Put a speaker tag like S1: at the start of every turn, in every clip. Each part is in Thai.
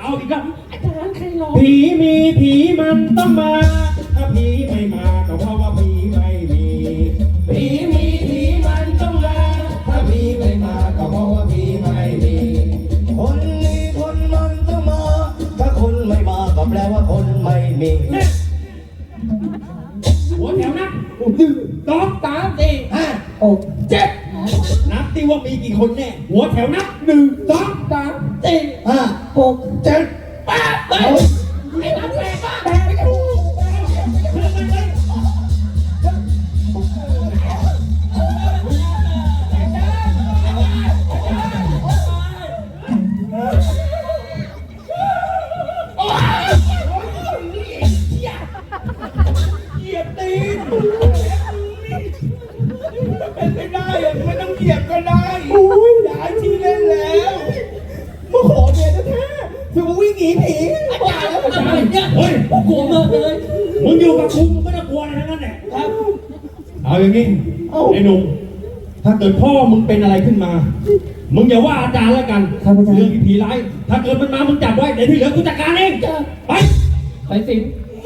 S1: เอาอีกแล้ว
S2: อาจารย์ใครร้อง
S1: ผีมีผีมันต้องมาถ้าผีไม่มาก็เพราะว่าผีไม่มีผีมีผีมันต้องมาถ้าผีไม่มาก็เพราะว่าผีไม่มี
S3: คนมีคนมันต้องมาถ้าคนไม่มาก็แปลว่าคนไม่มี
S1: หัวแถวนับ1 2 3 4 5 6 7นับที่ว่ามีกี่คนแน่หัวแถวนับ1 2 3 4 5 6 7 8ไอ้นับแปดป่ะแปดไม่ถูกเหยียบตีนเป็นไม่ได้ไม่ต้องเหยียบก็ได้ย้ายที่เล่นแล้วมาขอเมียแท้ๆคือมาวิ่งหนีผี
S2: อาจารย์อะไรเนี่ยเฮ้ยกลัวมากเลย
S1: มึงอยู่กับกูมึงไม่ต้องกลัวอะไรทั้งนั้นแหละครับเอาอย่างนี้ไอ้หนุ่มถ้าเกิดพ่อมึงเป็นอะไรขึ้นมามึงอย่าว่าอาจารย์แล้วกันเรื่องผีร้ายถ้าเกิดมันมามึงจับไว้เดี๋ยวที่เหลือกูจัดการเองไปสิ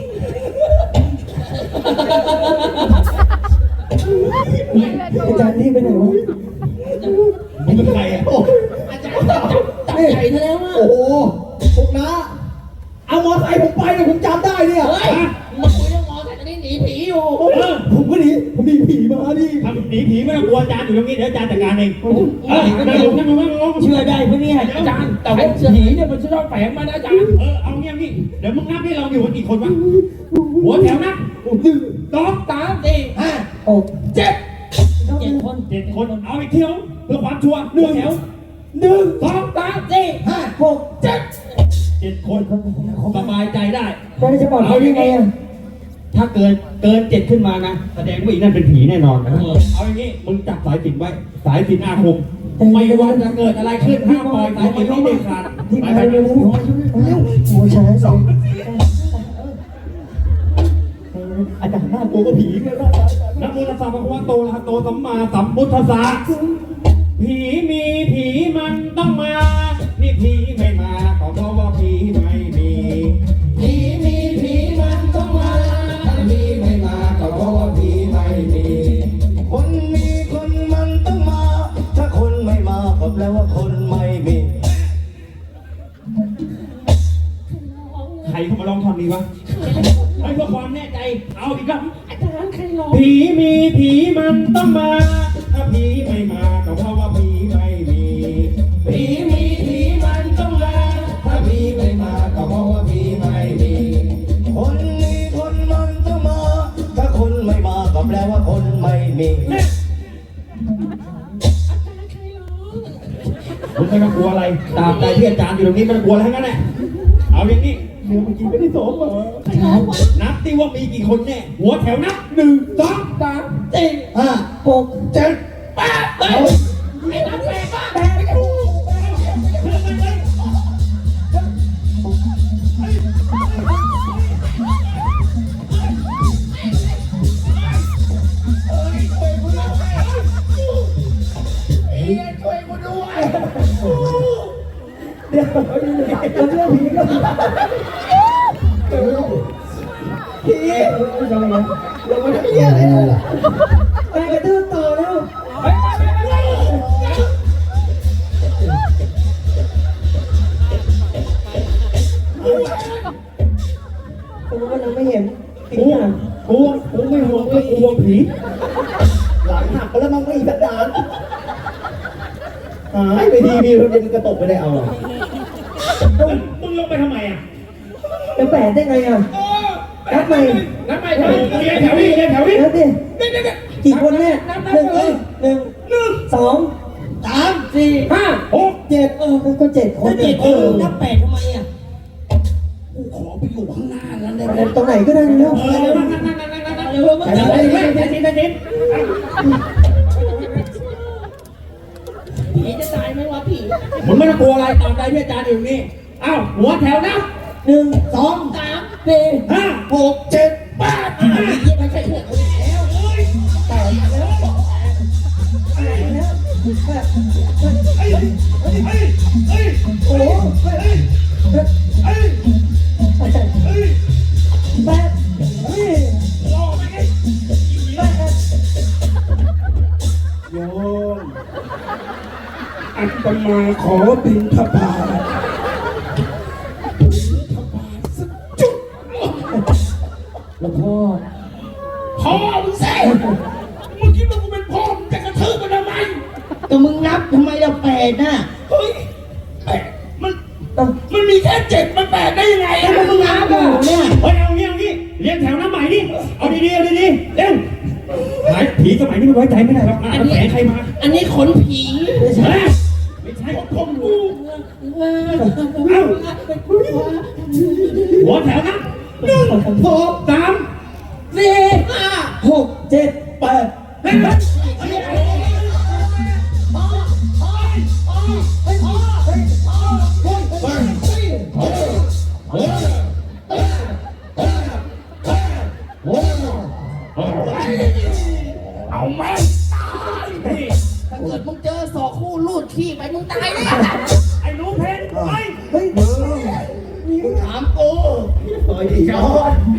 S3: อาจารย์นี่เป็นไงวะ
S1: มึงเป็นใครอ่ะ
S2: อาจารย์จับใหญ่ซะแล้วอ่ะ
S3: โอ้โหพวกน้าเอามอไซค์ผมไปเลยผมจำได้เนี่ย
S2: เฮ้ยมาคุยเรื่องมอไซค์ตอนนี้หนีผีอยู่
S3: ผมก็หนีผมมีผีมาดิ
S1: ทำหนีผีไม่ต้องกลัวอาจารย์อยู่ตรงนี้เดี๋ยวอาจารย์จัดการเองนั่งลง
S2: เชื่อได้ปะเนี่ยอาจารย์แต่ว่าผีเนี่ยมันชอบแฝงมานะอาจารย์
S1: เอาเงี้ยนี่เดี๋ยวมึงนับให้เราอยู่กันกี่คนวะหัวแถวนับ1 2 3 4 5 6 7 7 คนเอาอีกเที่ยวเพื่อความชัวร์1 แถว1 2 3 4 5 6 7 คนสบายใจได้
S3: แล้วจะบอกเขายังไงอ่ะ
S1: ถ้าเกิน7ขึ้นมานะแสดงว่าอีนั่นเป็นผีแน่นอนนะเอาอย่างนี้มึงจับสายสิญจน์ไว้สายสิญจน์อาคมไม่ว่าจะเกิดอะไรขึ้นห้ามปล่อยสายสิญจน์ไม่เด็ดขาดไปเร็ว
S3: หัวช้าง2อาจารย์หน้าตัวก็ผีเลย
S1: นะโมตัสสะภะคะวะโตอะระหะโตสัมมาสัมพุทธัสสะผีมีผีมันต้องมานี่ผีไม่มาก็เพราะว่าผีไม่มีผีมีผีมันต้องมาถ้าผีไม่มาก็เพราะว่าผีไม่มี
S3: คนมีคนมันต้องมาถ้าคนไม่มาก็แปลว่าคนไม่มี
S1: ใครเข้ามาลองทำดีวะให้เพื่อความแน่ใจเอาอีกครับ
S2: อาจารย์ใครร้อง
S1: ผีมีผีมันต้องมาถ้าผีไม่มาก็เพราะว่าผีไม่มีผีมีผีมันต้องมาถ้าผีไม่มาก็เพราะว่าผีไม่มี
S3: คนมีคนมันต้องมาถ้าคนไม่มาก็แปลว่าคนไม่มี
S1: มึงไม่ต้องกลัวอะไรตามใจที่อาจารย์อยู่ตรงนี้ไม่ต้องกลัวอะไรทั้งนั้นแหละเอาอย่างนี้
S3: เดี๋ยวเมื่อกี้ไม่ได้สอนมา
S1: นับที่ว่ามีกี่คนแน่หัวแถวนับ1 2 3 4 5 6 7 8
S2: ไอ้นับแปดป่ะ
S1: ไม่ถูก
S2: ช่วยกูด้วย
S3: เดี๋ยวเรื่องผีก็ผีเราไม่ได้เหี้ยอะไรเลยไปกระตือต่อแล้วผมว่าเราไม่เห็นผีอ่ะ
S1: กูไม่ห่วงก็กลัวผี
S3: หลังหักไปแล้วมันไม่อีกดานหายไปดีมีคนจะกระตกไปได้เอา
S1: มึงลงไปทำไมอ่ะ
S3: จะแปดได้ไงอ่ะนับใหม่
S1: นับใหม่แถวนี้แถวนี้
S3: นับดิกี่คนแน่1 2 3 4 5 6 7ก็7 คน
S2: นับแปดทำไมอ่ะ
S1: กูขอไปอยู่ข้างหน้าแล้วได้ไหม
S3: ตรงไหนก็ได้เร็ว
S2: ผีจะตายไหมวะผี
S1: มึงไม่ต้องกลัวอะไรตามใจที่อาจารย์อยู่นี่อ้าวหัวแถวนะ
S3: 1 2 3 4 5 6 7 8
S2: ไม่ใช่เหรอแล้วแต่แล้ว
S3: โอ้
S2: ขอบินทบาทจุด
S3: หลวงพ่อ
S2: พ่อมึงเซ่มึงคิดว่ากูเป็นพ่อมึงจะกระทืบมันทำไม
S3: ก็มึงนับทำไมเราแปดน่ะ
S2: เฮ้ยแปดมันมีแค่7มัน8ได้ยังไง
S3: แล้วมึงนับอยู่เนี่ย
S1: เฮ้ยเอางี้เรียงแถวน้ำใหม่ดิเอาดีๆเอาดีๆเร็วหายผีสมัยนี้มันไว้ใจไม่ได้หรอกแฝงใครมา
S2: อันนี้ขนผี
S3: ไม่ใช่
S1: ไม่ใช่ของกูเอ้าหัวแถวนะ1 2 3 4 5
S3: 6 7 8
S2: เอาแม่งตายพี่ถ้าเกิดมึงเจอศอกคู่ลูดขี้ไปมึงตายแน่
S1: ไอ้หนูเพนไป
S3: เฮ้ย
S2: มึงถามกู
S3: ต่อยอีกแล้ว